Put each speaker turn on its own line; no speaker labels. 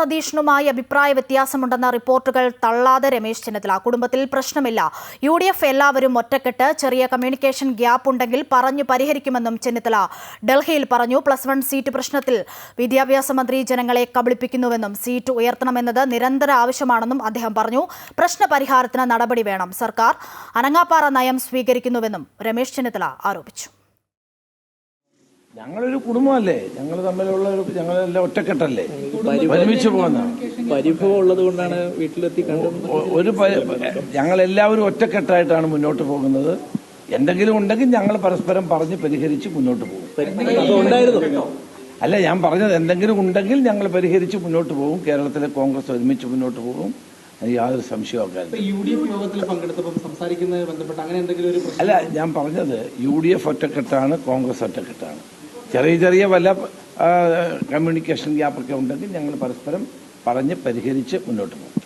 സതീശനുമായി അഭിപ്രായ വ്യത്യാസമുണ്ടെന്ന റിപ്പോർട്ടുകൾ തള്ളാതെ രമേശ് ചെന്നിത്തല. കുടുംബത്തിൽ പ്രശ്നമില്ല, UDF എല്ലാവരും ഒറ്റക്കെട്ട്, ചെറിയ കമ്മ്യൂണിക്കേഷൻ ഗ്യാപ്പ് ഉണ്ടെങ്കിൽ പറഞ്ഞു പരിഹരിക്കുമെന്നും ചെന്നിത്തല ഡൽഹിയിൽ പറഞ്ഞു. +1 സീറ്റ് പ്രശ്നത്തിൽ വിദ്യാഭ്യാസ മന്ത്രി ജനങ്ങളെ കബളിപ്പിക്കുന്നുവെന്നും സീറ്റ് ഉയർത്തണമെന്നത് നിരന്തര ആവശ്യമാണെന്നും അദ്ദേഹം പറഞ്ഞു. പ്രശ്നപരിഹാരത്തിന് നടപടി വേണം, സർക്കാർ അനങ്ങാപ്പാറ നയം സ്വീകരിക്കുന്നുവെന്നും രമേശ് ചെന്നിത്തല ആരോപിച്ചു.
ഞങ്ങളൊരു കുടുംബമല്ലേ, ഞങ്ങൾ തമ്മിലുള്ള ഞങ്ങളെല്ലാം ഒറ്റക്കെട്ടല്ലേ, ഒരുമിച്ച് പോകുന്ന
പരിഭവം ഉള്ളത് കൊണ്ടാണ് വീട്ടിലെത്തി
ഞങ്ങളെല്ലാവരും ഒറ്റക്കെട്ടായിട്ടാണ് മുന്നോട്ട് പോകുന്നത്. എന്തെങ്കിലും ഉണ്ടെങ്കിൽ ഞങ്ങൾ പരസ്പരം പറഞ്ഞ് പരിഹരിച്ച് മുന്നോട്ട് പോകും. അല്ല, ഞാൻ പറഞ്ഞത് എന്തെങ്കിലും ഉണ്ടെങ്കിൽ ഞങ്ങൾ പരിഹരിച്ച് മുന്നോട്ട് പോകും. കേരളത്തിലെ കോൺഗ്രസ് ഒരുമിച്ച് മുന്നോട്ട് പോകും, യാതൊരു സംശയവും. അല്ല, ഞാൻ പറഞ്ഞത് UDF ഒറ്റക്കെട്ടാണ്, കോൺഗ്രസ് ഒറ്റക്കെട്ടാണ്. ചെറിയ വല്ല കമ്മ്യൂണിക്കേഷൻ ഗ്യാപ്പൊക്കെ ഉണ്ടെങ്കിൽ ഞങ്ങൾ പരസ്പരം പറഞ്ഞ് പരിഹരിച്ച് മുന്നോട്ട് പോകും.